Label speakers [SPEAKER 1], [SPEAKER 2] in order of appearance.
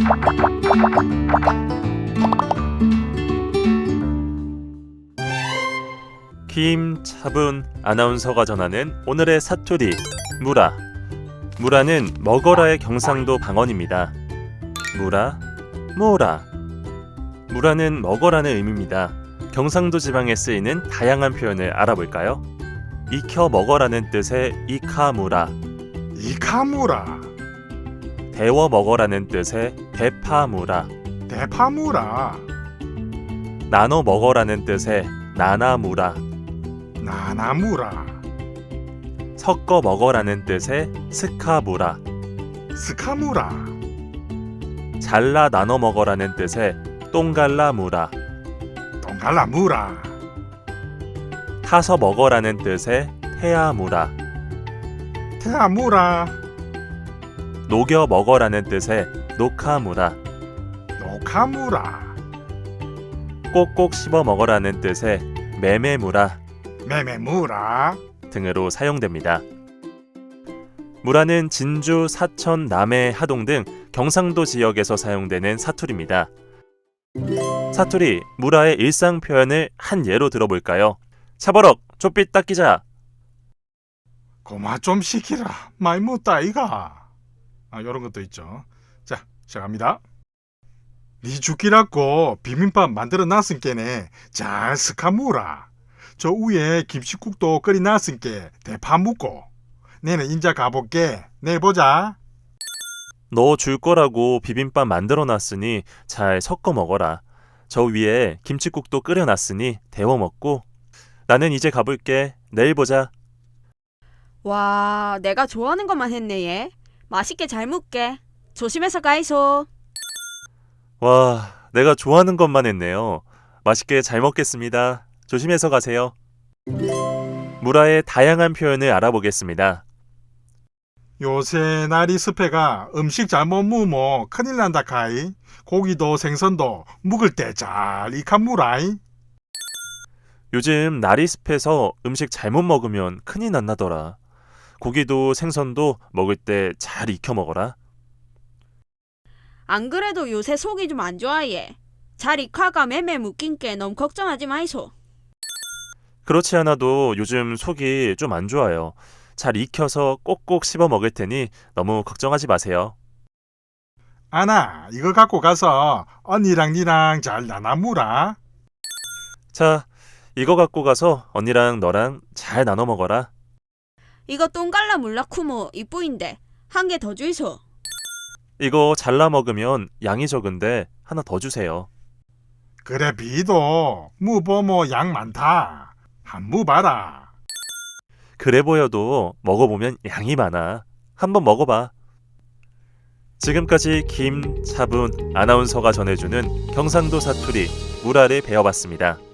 [SPEAKER 1] 김차분 아나운서가 전하는 오늘의 사투리 무라. 무라는 먹어라의 경상도 방언입니다. 무라, 뭐라. 무라는 먹어라는 의미입니다. 경상도 지방에 쓰이는 다양한 표현을 알아볼까요? 익혀 먹어라는 뜻의 이카무라,
[SPEAKER 2] 이카무라,
[SPEAKER 1] 데워 먹어라는 뜻의 대파무라,
[SPEAKER 2] 대파무라,
[SPEAKER 1] 나눠 먹어라는 뜻의 나나무라,
[SPEAKER 2] 나나무라,
[SPEAKER 1] 섞어 먹어라는 뜻의 스카무라,
[SPEAKER 2] 스카무라,
[SPEAKER 1] 잘라 나눠 먹어라는 뜻의 똥갈라무라,
[SPEAKER 2] 동갈라무라,
[SPEAKER 1] 타서 먹어라는 뜻의 태아무라,
[SPEAKER 2] 태아무라,
[SPEAKER 1] 녹여 먹어라는 뜻의 노카무라,
[SPEAKER 2] 노카무라,
[SPEAKER 1] 꼭꼭 씹어 먹어라는 뜻의 매매무라
[SPEAKER 2] 메메무라,
[SPEAKER 1] 등으로 사용됩니다. 무라는 진주, 사천, 남해, 하동 등 경상도 지역에서 사용되는 사투리입니다. 사투리 무라의 일상 표현을 한 예로 들어볼까요? 차버럭 좁빛 닦이자.
[SPEAKER 2] 고마 좀 시키라. 많이 묻다 이가. 요런 것도 있죠. 자, 시작합니다. 니 죽기라고 비빔밥 만들어 놨으니께네 잘 스카무라. 저 위에 김치국도 끓이 놨으니께 대파 묻고. 내는 인자 가볼게. 내일 보자.
[SPEAKER 1] 너 줄 거라고 비빔밥 만들어 놨으니 잘 섞어 먹어라. 저 위에 김치국도 끓여 놨으니 데워 먹고. 나는 이제 가볼게. 내일 보자.
[SPEAKER 3] 와, 내가 좋아하는 것만 했네 얘. 맛있게 잘 먹게. 조심해서 가이소.
[SPEAKER 1] 와, 내가 좋아하는 것만 했네요. 맛있게 잘 먹겠습니다. 조심해서 가세요. 무라의 다양한 표현을 알아보겠습니다.
[SPEAKER 2] 요새 날이 습해가 음식 잘못 무면 큰일 난다 카이. 고기도 생선도 묵을 때 잘 익한무라이.
[SPEAKER 1] 요즘 날이 습해서 음식 잘못 먹으면 큰일 난다더라. 고기도 생선도 먹을 때 잘 익혀 먹어라.
[SPEAKER 3] 안 그래도 요새 속이 좀 안 좋아 얘. 잘 익화가 매매 묶인 게 너무 걱정하지 마이소.
[SPEAKER 1] 그렇지 않아도 요즘 속이 좀 안 좋아요. 잘 익혀서 꼭꼭 씹어 먹을 테니 너무 걱정하지 마세요.
[SPEAKER 2] 아나, 이거 갖고 가서 언니랑 니랑 잘 나눠무라.
[SPEAKER 1] 자, 이거 갖고 가서 언니랑 너랑 잘 나눠 먹어라.
[SPEAKER 3] 이거 똥갈라 물라쿠모 이쁘인데 한 개 더 주이소.
[SPEAKER 1] 이거 잘라 먹으면 양이 적은데 하나 더 주세요.
[SPEAKER 2] 그래 비도 무보모 양 많다. 한무 봐라.
[SPEAKER 1] 그래 보여도 먹어보면 양이 많아. 한번 먹어봐. 지금까지 김차분 아나운서가 전해주는 경상도 사투리 무라를 배워봤습니다.